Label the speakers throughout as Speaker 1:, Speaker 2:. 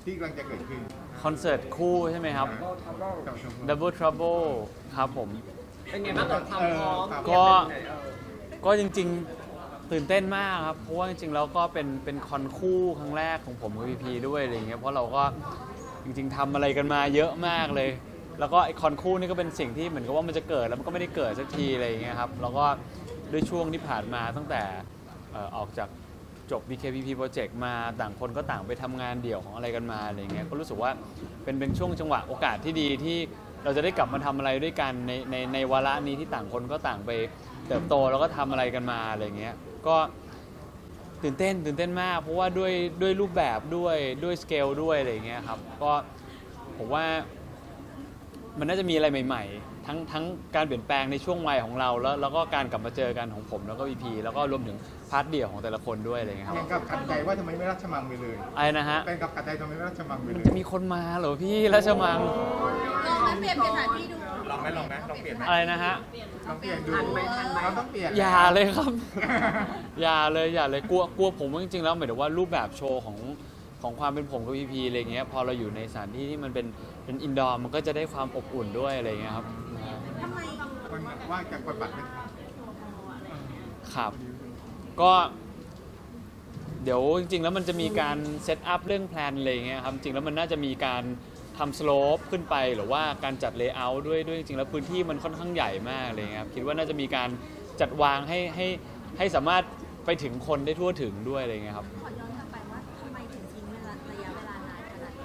Speaker 1: ที่กำลังจะเกิดขึ้น
Speaker 2: คอนเสิร์ตคู่ใช่ไหมครับ Double Trouble ครับผม
Speaker 3: เป็นไงบ้างกับความพร้อม
Speaker 2: ก็จริงๆตื่นเต้นมากครับเพราะว่าจริงๆแล้วก็เป็นคอนคู่ครั้งแรกของผมกับพีพีด้วยอะไรเงี้ยเพราะเราก็จริงๆทำอะไรกันมาเยอะมากเลยแล้วก็ไอคอนคู่นี่ก็เป็นสิ่งที่เหมือนกับว่ามันจะเกิดแล้วมันก็ไม่ได้เกิดสักทีอะไรเงี้ยครับแล้วก็ด้วยช่วงที่ผ่านมาตั้งแต่ออกจากจบ BKPP Project มาต่างคนก็ต่างไปทำงานเดี่ยวของอะไรกันมาอะไรเงี้ยก็รู้สึกว่าเป็นช่วงจังหวะโอกาสที่ดีที่เราจะได้กลับมาทำอะไรด้วยกันในวาระนี้ที่ต่างคนก็ต่างไปเติบโตแล้วก็ทำอะไรกันมาอะไรเงี้ยก็ตื่นเต้นมากเพราะว่าด้วยรูปแบบด้วยสเกลด้วยอะไรเงี้ยครับก็ผมว่ามันน่าจะมีอะไรใหม่ๆทั้งการเปลี่ยนแปลงในช่วงวัยของเราแล้วก็การกลับมาเจอกันของผมแล้วก็พีพีแล้วก็รวมถึงพาร์ทเดี่ยวของแต่ละคนด้วยอะไรเงี้ยครับ
Speaker 1: แฟนกับขัดใจว่าทำไมไม่ราชมังไปเลย
Speaker 2: อะไรนะฮะ
Speaker 1: แฟนกับขัดใจทำไมไม่ราชมังไปเลย
Speaker 2: มีคนมาเหรอพี่ราชมัง
Speaker 4: ลองเปลี่ยนสถานที่ดู
Speaker 1: ลองไหมลองเปลี่ยนไหม
Speaker 2: อะไรนะฮะ
Speaker 1: ลองเปลี่ยนดูเราต้องเปลี่ยน
Speaker 2: อย่าเลยครับ อย่าเลยกลัวผมว่าจริงๆแล้วหมายถึงว่ารูปแบบโชว์ของความเป็นผมกับพีพีอะไรเงี้ยพอเราอยู่ในสถานที่ที่มันเป็นอินดอร์มันก็จะได้ความอบอุ่นด้วยอะไรเงี้ยครับ
Speaker 4: ทำไม
Speaker 1: คนว่าจะกดบัตรไหม
Speaker 2: ครับก็เดี๋ยวจริงๆแล้วมันจะมีการเซตอัพเรื่องแพลนอะไรเงี้ยครับจริงแล้วมันน่าจะมีการทำสโลปขึ้นไปหรือว่าการจัดเลเยอร์ด้วยจริงๆแล้วพื้นที่มันค่อนข้างใหญ่มากเลยครับคิดว่าน่าจะมีการจัดวางให้สามารถไปถึงคนได้ทั่วถึงด้วยอะไรเงี้ยครับ
Speaker 4: ขอย้อนกลับไปว่าทำไมถึงทิ้งระยะเวลานานขนาด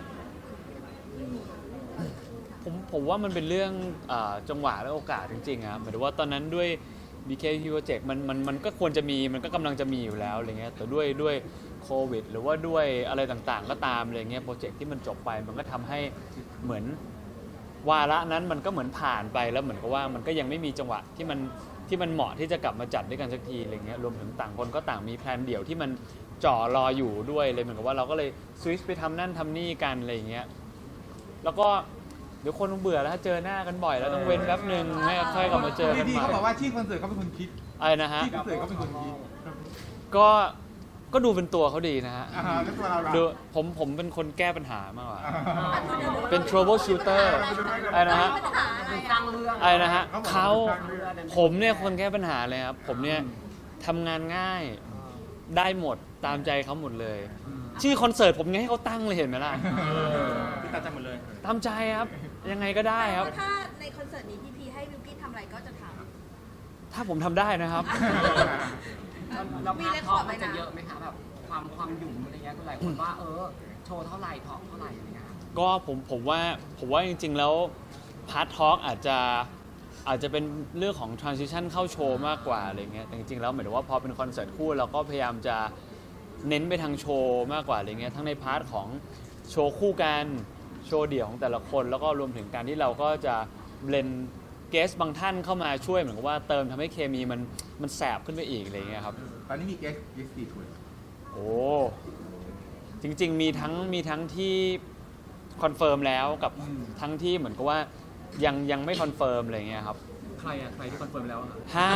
Speaker 4: นี้
Speaker 2: ผมว่ามันเป็นเรื่องจังหวะและโอกาสจริงๆครับหมายถึงว่าตอนนั้นด้วย BKPP Project มันก็ควรจะมีมันก็กำลังจะมีอยู่แล้วอะไรเงี้ยแต่ด้วยโควิดหรือว่าด้วยอะไรต่างๆก็ตามอะไรเงี้ยโปรเจกต์ที่มันจบไปมันก็ทำให้เหมือนวาระนั้นมันก็เหมือนผ่านไปแล้วเหมือนกับว่ามันก็ยังไม่มีจังหวะที่มันเหมาะที่จะกลับมาจัดด้วยกันสักทีอะไรเงี้ยรวมถึงต่างคนก็ต่างมีแพลนเดี่ยวที่มันจ่อรออยู่ด้วยเลยเหมือนกับว่าเราก็เลยสวิตช์ไปทำนั่นทำนี่กันอะไรเงี้ยแล้วก็เดี๋ยวคนเบื่อแล้วเจอหน้ากันบ่อยแล้วต้องเว้นแป๊บหนึ่งให้ค่อยกลับมาเจอกันใหม่
Speaker 1: พี่เขาบอกว่าชื่อคอนเสิร์ตเขาเป็นคนคิด
Speaker 2: อะไรนะฮะ
Speaker 1: ชื่อคอนเสิร์ตเขาเป็นคนคิด
Speaker 2: ก็ดูเป็นตัวเขาดีนะฮะ
Speaker 1: แล้วตัวเรา
Speaker 2: ดูผมเป็นคนแก้ปัญหามากกว่าเป็น trouble shooter อะไรนะฮะ
Speaker 3: สร้างเรื่อง
Speaker 2: อะไรนะฮะผมเนี่ยคนแก้ปัญหาเลยครับผมเนี่ยทำงานง่ายได้หมดตามใจเขาหมดเลยชื่อคอนเสิร์ตผมยังให้เขาตั้งเลยเห็นไหมล่ะ
Speaker 1: ตามใจหมดเลย
Speaker 2: ตามใจครับยังไงก็ได้ครับ
Speaker 4: ถ้าในคอนเสิร์ตนี้พี่ให้วิวกี้ทำอะไรก็จะทำ
Speaker 2: ถ้าผมทำได้นะครับ
Speaker 3: เราพาร์ททอล์กมันจะเยอะไหมคะแบบความหยุ่มอะไรเงี้ยหลายคนว่าโชว์เท่าไหร่ทอล์กเท่าไหร่อะไรเงี้ย
Speaker 2: ก็ผมว่าจริงๆแล้วพาร์ททอล์กอาจจะเป็นเรื่องของ transition เข้าโชว์มากกว่าอะไรเงี้ยแต่จริงๆแล้วหมายถึงว่าพอเป็นคอนเสิร์ตคู่เราก็พยายามจะเน้นไปทางโชว์มากกว่าอะไรเงี้ยทั้งในพาร์ทของโชว์คู่กันโชว์เดี่ยวของแต่ละคนแล้วก็รวมถึงการที่เราก็จะเบลนเกสบางท่านเข้ามาช่วยเหมือนกับว่าเติมทำให้เคมีมันแสบขึ้นไปอีกอะไรเงี้ยครับ
Speaker 1: ตอนนี้มีเกสกี่คน
Speaker 2: โอ้จริงๆมีทั้งที่คอนเฟิร์มแล้วกับทั้งที่เหมือนกับว่ายังไม่คอนเฟิร์มอะไรเงี้ยครับ
Speaker 3: ใครที่คอนเฟิร์มแล้ว
Speaker 2: ฮะ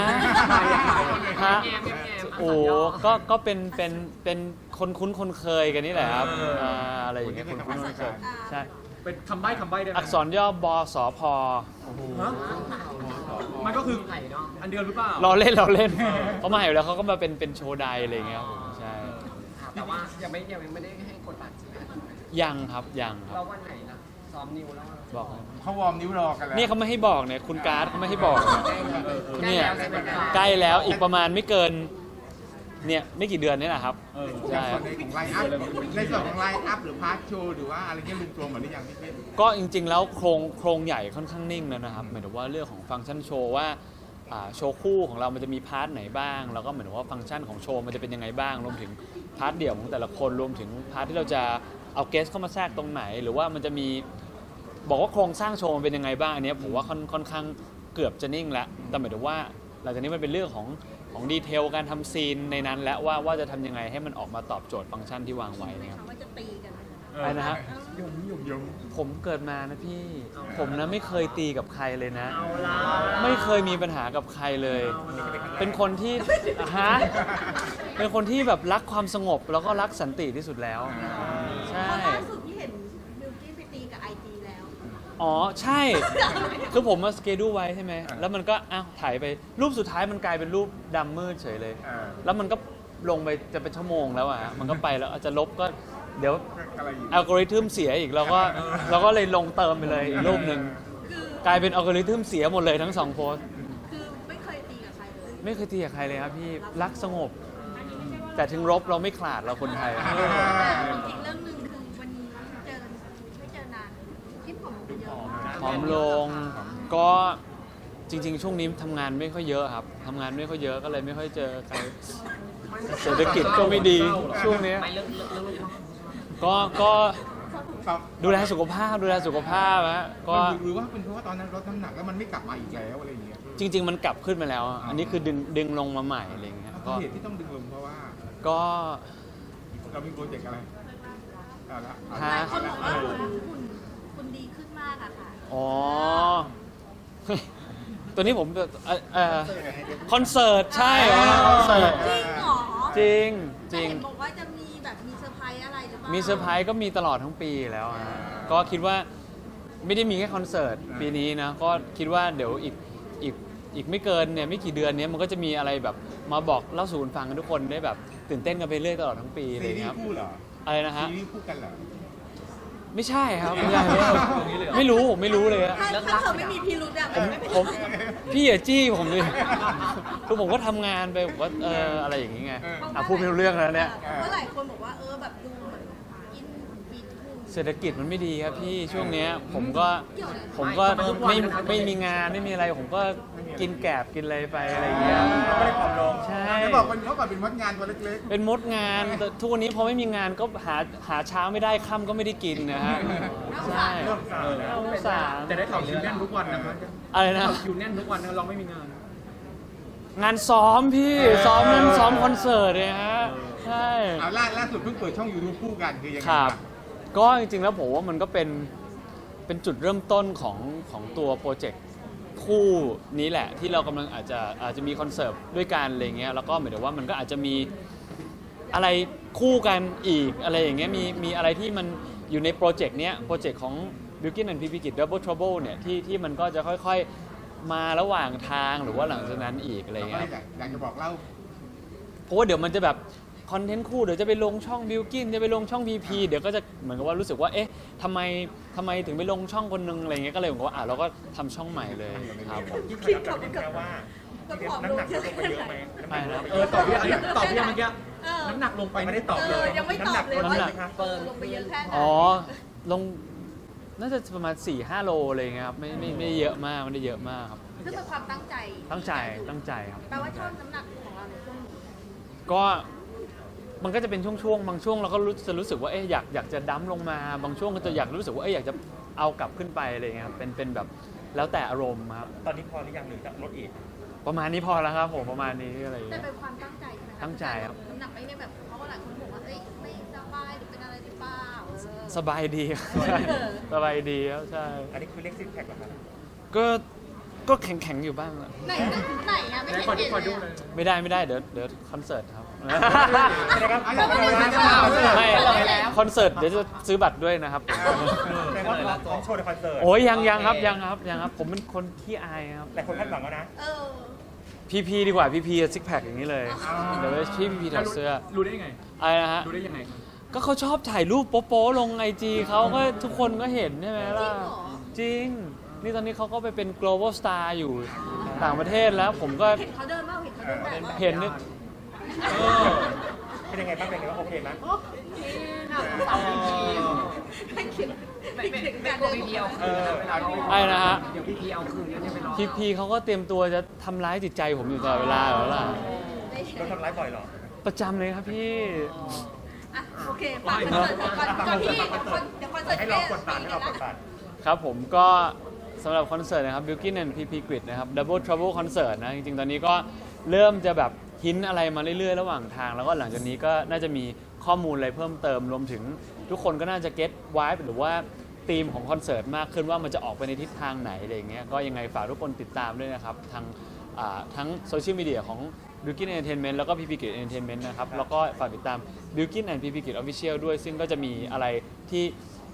Speaker 2: โอ้ก็เป็นคนคุ้นคนเคยกันนี่แหละครับอะไรอย่างเงี้ยคนคุ้นคนเคยใช่
Speaker 3: เป็นคำใบ้ได้ไหม
Speaker 2: อักษรย่อบสพ
Speaker 3: มันก็คืออันเดียวหรือเปล่า
Speaker 2: เราเล่นเขามาอยู่แล้วเขาก็มาเป็นโชว์ไดอะไรอย่างเงี้ยใช่
Speaker 3: แต่ว่ายังไม่ได้ให้กดบัตรใช่ไหม
Speaker 2: ยังครับ
Speaker 3: เราวันไหนนะซ้อมนิ้วแล้ว
Speaker 2: บอก
Speaker 1: เขาวอร์มนิ้วรอกันแล้ว
Speaker 2: นี่เขาไม่ให้บอกเนี่ยคุณการ์ดเขาไม่ให้บอกเนี่ยใกล้แล้วอีกประมาณไม่เกินเนี่ยไม่กี่เดือนนี่แหละครับ
Speaker 1: ใช่ในส่วนของไลน์อัพหรือพาร์ทโชว์หรือว่าอะไรเงี้ยรวมๆหมดหรือยังพี่เป็น
Speaker 2: ก็จริงๆแล้วโครงใหญ่ค่อนข้างนิ่งแล้วนะครับหมายถึงว่าเรื่องของฟังก์ชันโชว์ว่าโชว์คู่ของเรามันจะมีพาร์ทไหนบ้างแล้วก็เหมือนว่าฟังก์ชันของโชว์มันจะเป็นยังไงบ้างรวมถึงพาร์ทเดี่ยวของแต่ละคนรวมถึงพาร์ทที่เราจะเอาเกสเข้ามาแทรกตรงไหนหรือว่ามันจะมีบอกว่าโครงสร้างโชว์มันเป็นยังไงบ้างอันนี้ผมว่าค่อนข้างเกือบจะนิ่งแล้วแต่หมายถึงว่าหลังจากนี้มันเป็นเรื่องของดีเทลการทำซีนในนั้นและว่าจะทำยังไงให้มันออกมาตอบโจทย์ฟังก์ชันที่วางไว้นะครับ
Speaker 4: ว่าจะตีกัน
Speaker 2: อะไรนะฮะผมเกิดมานะพี่ผมนะไม่เคยตีกับใครเลยนะไม่เคยมีปัญหากับใครเลยเป็นคนที่เป็นคนที่แบบรักความสงบแล้วก็รักสันติที่สุดแล้วใช่
Speaker 4: ล่าสุดที่เห็น
Speaker 2: อ๋อใช่ คือผมมาสเกดูไว้ใช่ไหมแล้วมันก็อ้าวถ่ายไปรูปสุดท้ายมันกลายเป็นรูปดำมืดเฉยเลย แล้วมันก็ลงไปจะเป็นชั่วโมงแล้วอ่ะมันก็ไปแล้วอาจจะลบก็เดี๋ยว
Speaker 1: อะไรอยู่
Speaker 2: อัลกอริทึมเสียอีกเราก็เลยลงเติมไปเลยอีกรูปหนึ่ง
Speaker 4: คือก
Speaker 2: ลายเป็นอัลกอริทึมเสียหมดเลยทั้งสองโพสต์
Speaker 4: คือไม่เคยตีกับใครเลย
Speaker 2: ไม่เคยตีกับใครเลยครับพี่รักสงบ แต่ถึงรบเราไม่ขลาดเราคนไทย
Speaker 4: แต่อีกเรื่องหนึ่งคือวันนี้ไม่เจอนานคิดผมไปเยอะ
Speaker 2: ผอมลงก็จริง ๆ ช่วงนี้ทำงานไม่ค่อยเยอะครับทำงานไม่ค่อยเยอะก็เลยไม่ค่อยเจอใครเศรษฐกิจก็ไม่ดีช่วงนี้
Speaker 3: ไม่เรื่อง
Speaker 2: ก็
Speaker 1: ครับ
Speaker 2: ดูแลสุขภาพฮะก็
Speaker 1: หรือว่าเป็นเพราะว่าตอนนั้นลดน้ำหนักแล้วมันไม่กลับมาอีกแล้วอะไรอย่างเงี้ย
Speaker 2: จริง ๆ มันกลับขึ้นมาแล้ว อันนี้คือดึงลงมาใหม่อะไรอย่างเงี้ย
Speaker 1: เพ
Speaker 2: ก็
Speaker 1: ราะเหตุที่ต้องดึงลงเพราะว่า
Speaker 2: ก็
Speaker 1: เรามีโปรเจกต์อะไรเอาละ
Speaker 2: ฮะ
Speaker 4: หลายคนบอกว่าคุณดีขึ้นมากอะค่ะ
Speaker 2: อ๋อ ตัวนี้ผมคอนเสิร์ตใช่เหรอคอนเสิร์ต
Speaker 4: จริงเหรอ
Speaker 2: จริง
Speaker 4: แต่เห็นบอกว่าจะมีแบบมีเซอร์ไพรส์อะไรหรือเปล่า
Speaker 2: มีเซอร์ไพรส์ก็มีตลอดทั้งปีแล้วฮะก็คิดว่าไม่ได้มีแค่คอนเสิร์ตปีนี้นะ ก็คิดว่าเดี๋ยวอีกไม่เกินเนี่ยไม่กี่เดือนเนี้ยมันก็จะมีอะไรแบบมาบอกเล่าสู่กันฟังกันทุกคนได้แบบตื่นเต้นกันไปเรื่อยตลอดทั้งปีเล
Speaker 1: ซี
Speaker 2: ย
Speaker 1: รี
Speaker 2: ครับ
Speaker 1: ส์คู่เหรอ
Speaker 2: อะไรนะฮะ
Speaker 1: ซีรีส์คู่กันเหรอ
Speaker 2: ไม่ใช่ครับไม่ใช่ไม่รู้ผมไม่รู้เลยอะ
Speaker 4: ถ้าเธอไม่มีพิรุธอะมันไม่เป็น
Speaker 2: ผม พี่อย่าจี้ผมดิคือผมก็ทำงานไปผมก็อะไรอย่างงี้ไงพูดไม่รู้เรื่องแล้วเนี่ย
Speaker 4: เพราะหลายคนบอกว่าแบบดูเหมือนกินฟีดหุ่น
Speaker 2: เศรษฐกิจมันไม่ดีครับพี่ช่วงเนี้ยผมก็ไม่มีงานไม่มีอะไรผมก็กินแกบกินอะไรไปอะไรอย่างเงี้ย
Speaker 1: ไม่ได้ผอมลง
Speaker 2: ใช่
Speaker 1: จะบอกคนเขาแบบเป็นมดงานตัวเล็ก
Speaker 2: เป็นมดงานแต่ทุกวันนี้พอไม่มีงานก็หาเช้าไม่ได้ค่ำก็ไม่ได้กินนะฮะใช่น่าสงสาร
Speaker 5: แต่ได้ข่าวคิวแน่นทุกวันนะครับ
Speaker 2: อะไรนะ
Speaker 5: คิวแน่นทุกวันนะเราไม่มีงาน
Speaker 2: งานซ้อมพี่ซ้อมนั้นซ้อมคอนเสิร์ตเลยฮะใช่
Speaker 1: ๆเอาล่าสุดเพิ่งเปิดช่อง YouTube คู่กันคือยังไง
Speaker 2: ครับ ก็จริงๆแล้วผมว่ามันก็เป็นจุดเริ่มต้นของตัวโปรเจกต์คู่นี้แหละ ที่เรากำลังอาจจะมีคอนเสิร์ตด้วยกันอะไรเงี้ยแล้วก็หมายถึงว่ามันก็อาจจะมีอะไรคู่กันอีกอะไรอย่างเงี้ยมีอะไรที่มันอยู่ในโปรเจกต์เนี้ยโปรเจกต์ของ Bilkin and PP Kid Double Trouble เนี่ยที่มันก็จะค่อยๆมาระหว่างทางหรือว่าหลังจากนั้นอีกอะไร
Speaker 1: เราก็
Speaker 2: เงี้
Speaker 1: เลย ยอยากจะบอกเล่า
Speaker 2: เพราะว่าเดี๋ยวมันจะแบบคอนเทนต์คู่เดี๋ยวจะไปลงช่องบิลกินจะไปลงช่อง PP เดี๋ยวก็จะเหมือนกับว่ารู้สึกว่าเอ๊ะทำไมถึงไปลงช่องคนนึงอะไรเงี้ยก็เลยผมว่าเราก็ทำช่องใหม่เลยครับผม
Speaker 4: คิดกับว่าน้ำหนักลงไปเยอะไหม
Speaker 2: ไม่นะครับ
Speaker 5: ตอบพี่อะไรตอบพี่เมื่อกี้
Speaker 4: เออ
Speaker 5: น้ำหนักลงไปไม่ได้ตอบเลย
Speaker 4: ยังไม่ตอบเลย
Speaker 2: น้ำหนัก
Speaker 4: ว่าลงไปเยอะแค่ไหน
Speaker 2: อ๋อลงน่าจะประมาณ 4-5 โลอะไรเงี้ยครับไม่เยอะมากไม่ได้เยอะมากครับ
Speaker 4: ซึ่งเป็นความตั้งใจ
Speaker 2: ตั้งใจครับ
Speaker 4: แปลว่าช่วงน้ำหนักของเราในช่วงนี้
Speaker 2: ก็มันก็จะเป็นช่วงๆบางช่วงเราก็จะรู้สึกว่าเอ๊ะอยากจะดั้มลงมาบางช่วงก็จะอยากรู้สึกว่าเอ๊ะอยากจะเอากลับขึ้นไปอะไรเงี้ยครับเป็นแบบแล้วแต่อารมณ์ครับ
Speaker 5: ตอนนี้พอหรือยังหรือจะลดอีก
Speaker 2: ประมาณนี้พอแล้วครับผมประมาณนี้อะไรอย่าง
Speaker 4: แต่
Speaker 2: เงี้ย
Speaker 4: เป็นความตั้งใจใช่ไหมะ
Speaker 2: ตั้งใจครับ
Speaker 4: น้ำหนักไม่ได้แบบเพราะว่าหลายคนบอกว่าเอ้ยไม่สบายหรือเป็นอะไรหรือเปล่า
Speaker 2: สบายดีครับสบายดีครับใช่
Speaker 5: อันนี้คือเลขซิกแพคเหรอครับ
Speaker 2: ก็แข็งอยู่บ้างอะ
Speaker 4: ไหนอะไม่เห็นเห็นเลยอะ
Speaker 2: ไม่ได้เดี๋ยวคอนเสิร์ตครับ ไม่คอนเสิร์ตเดี๋ยวจะซื้อบัตรด้วยนะครับ
Speaker 5: แต่ว่าของโชว์ในคอนเสิร์ต
Speaker 2: โอ้ยยังครับผมเป็นคนขี้อายครับ
Speaker 5: แต่คนคาดหวังแล้วนะ
Speaker 4: เออ
Speaker 2: พีดีกว่าพีซิกแพคอย่างนี้เลยเดี๋ยวพีถอดเสื้อ
Speaker 5: รู้ได้ยังไง
Speaker 2: อะไรนะฮะ
Speaker 5: รู้ได้ยังไงครับ
Speaker 2: ก็เขาชอบถ่ายรูปโป๊ะๆลงIG เขาก็ทุกคนก็เห็นใช่ไหมล่ะจริง นี่ตอนนี้เขาก็ไปเป็น global star อยู่ต่างประเทศแล้วผมก็
Speaker 4: เห็นเขาเดินบ้างเห็นเขาเดินแบบว่า
Speaker 2: เห็นนี่
Speaker 5: เป็นยังไงบ้างเป็นยังไงบ้างโอเคไหม
Speaker 4: ให้คิด
Speaker 3: ไม่กลัวพี่พีเอาคืนนะเวลาเรา
Speaker 2: ไอ้นะฮะ
Speaker 3: เดี๋ยวพี่พีเอาคืนเนี่ยไปรอ
Speaker 2: พีเขาก็เตรียมตัวจะทำร้ายจิตใจผมอยู่ตลอดเวลาแล้วล่ะ
Speaker 5: โดนทำร้ายบ่อยเหรอ
Speaker 2: ประจำเลยครับพี่
Speaker 4: อ่ะโอเคฝากคอนเสิร์ตก่อนที่เดี๋ยวคอนเสิร์ต
Speaker 5: ให้เรากดตัดให้เรากดตัด
Speaker 2: ครับผมก็สำหรับคอนเสิร์ตนะครับ Bilkin and PP Grid นะครับ Double Trouble Concert นะจริงๆ ตอนนี้ก็เริ่มจะแบบหินอะไรมาเรื่อยๆ ระหว่างทาง แล้วก็หลังจากนี้ก็น่าจะมีข้อมูลอะไรเพิ่มเติมรวมถึงทุกคนก็น่าจะ get vibe หรือว่าธีมของคอนเสิร์ตมากขึ้นว่ามันจะออกไปในทิศทางไหนอะไรอย่างเงี้ยก็ยังไงฝากทุกคนติดตามด้วยนะครับทั้งโซเชียลมีเดียของ Bilkin Entertainment แล้วก็ PP Grid Entertainment นะครับแล้วก็ฝากติดตาม Bilkin and PP Grid Official ด้วยซึ่งก็จะมีอะไรที่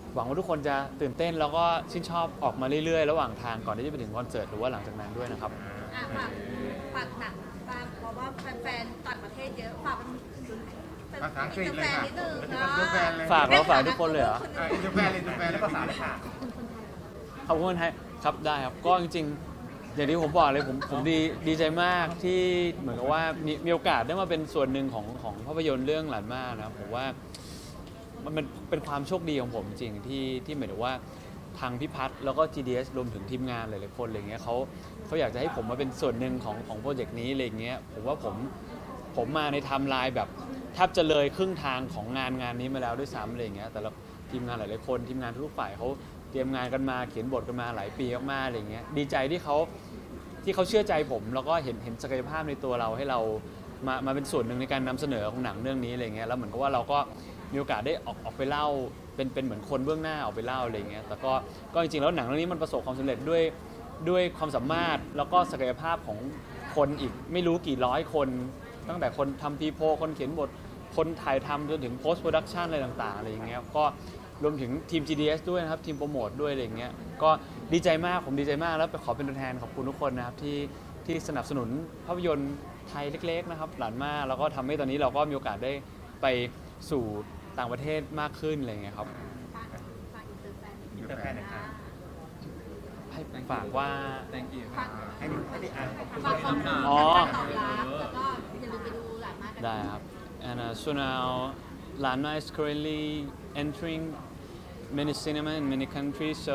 Speaker 2: หวังว่าทุกคนจะตื่นเต้นแล้วก็ชื่นชอบออกมาเรื่อยๆระหว่างทางก่อนที่จะไปถึงคอนเสิร์ตหรือว่าหลังจากนั้นด้วยนะครับ
Speaker 4: อ่ะฝากหนังตามเพราะว่าแฟนๆต่างประเทศเยอะฝากเป็น
Speaker 1: ภาษาอังกฤษเลย
Speaker 4: แฟน
Speaker 1: ค่ะ
Speaker 4: นิดนึง
Speaker 1: อิน
Speaker 4: เนาะ
Speaker 1: เตอร์แฟนเลย
Speaker 2: ฝากแล้วฝากทุกคนเลยเหรอ
Speaker 1: อินเตอร์แฟนเลยอินเตอร์แฟนเลย
Speaker 5: ภาษาเลยค่ะ
Speaker 2: ขอบคุณครับได้ครับก็จริงๆอย่างที่ผมบอกเลยผมดีใจมากที่เหมือนกับว่ามีโอกาสได้มาเป็นส่วนหนึ่งของภาพยนตร์เรื่องหลานมานะครับผมว่ามันเป็นความโชคดีของผมจริงที่หมายถึงว่าทางพี่พัฒน์แล้วก็ GDS รวมถึงทีมงานหลายๆคนอะไรเงี้ยเขาอยากจะให้ผมมาเป็นส่วนหนึ่งของโปรเจกต์นี้อะไรเงี้ยผมว่าผมมาในไทม์ไลน์แบบแทบจะเลยครึ่งทางของงานนี้มาแล้วด้วยซ้ำอะไรเงี้ยแต่ละทีมงานหลายๆคนทีมงานทุกฝ่ายเขาเตรียมงานกันมาเขียนบทกันมาหลายปีมากๆอะไรเงี้ยดีใจที่เขาเชื่อใจผมแล้วก็เห็นศักยภาพในตัวเราให้เรามาเป็นส่วนหนึ่งในการนำเสนอของหนังเรื่องนี้อะไรเงี้ยแล้วเหมือนกับว่าเราก็มีโอกาสได้ออกไปเล่าเป็นเหมือนคนเบื้องหน้าออกไปเล่าอะไรเงี้ยแต่ก็จริงๆแล้วหนังเรื่องนี้มันประสบความสำเร็จด้วยความสามารถแล้วก็ศักยภาพของคนอีกไม่รู้กี่ร้อยคนตั้งแต่คนทำพีโพคนเขียนบทคนถ่ายทำจนถึง post production อะไรต่างๆอะไรอย่างเงี้ยก็รวมถึงทีม GDS ด้วยนะครับทีมโปรโมทด้วยอะไรอย่างเงี้ยก็ดีใจมากผมดีใจมากแล้วขอเป็นตัวแทนขอบคุณทุกคนนะครับที่สนับสนุนภาพยนตร์ไทยเล็กๆนะครับหลานมากแล้วก็ทำให้ตอนนี้เราก็มีโอกาสได้ไปสู่ต่างประเทศมากขึ้นอะไรอย่างเงี้ยครับ
Speaker 4: ฝากอินเตอร์แฟน
Speaker 5: อินเตอร์แฟนหน่อยค่ะ
Speaker 2: ให้ฝากว่า
Speaker 1: thank you
Speaker 4: ฝาก
Speaker 5: ให้ได้อ่านขอบคุณ
Speaker 4: ฝากความ
Speaker 2: อ๋อ
Speaker 4: ตอบรับแล้วก็อย่าลืมไปดูหลานมากกัน
Speaker 2: ได้ครับ and so now Lanma is currently entering many cinema in many countries so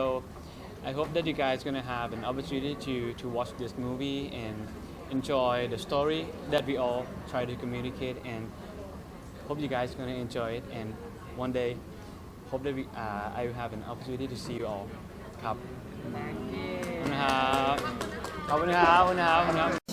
Speaker 2: I hope that you guys gonna have an opportunity to watch this movie and enjoy the story that we all try to communicate and hope you guys gonna enjoy it and one day hope that I will have an opportunity to see you all ครับขอบคุณครับขอบคุณครับ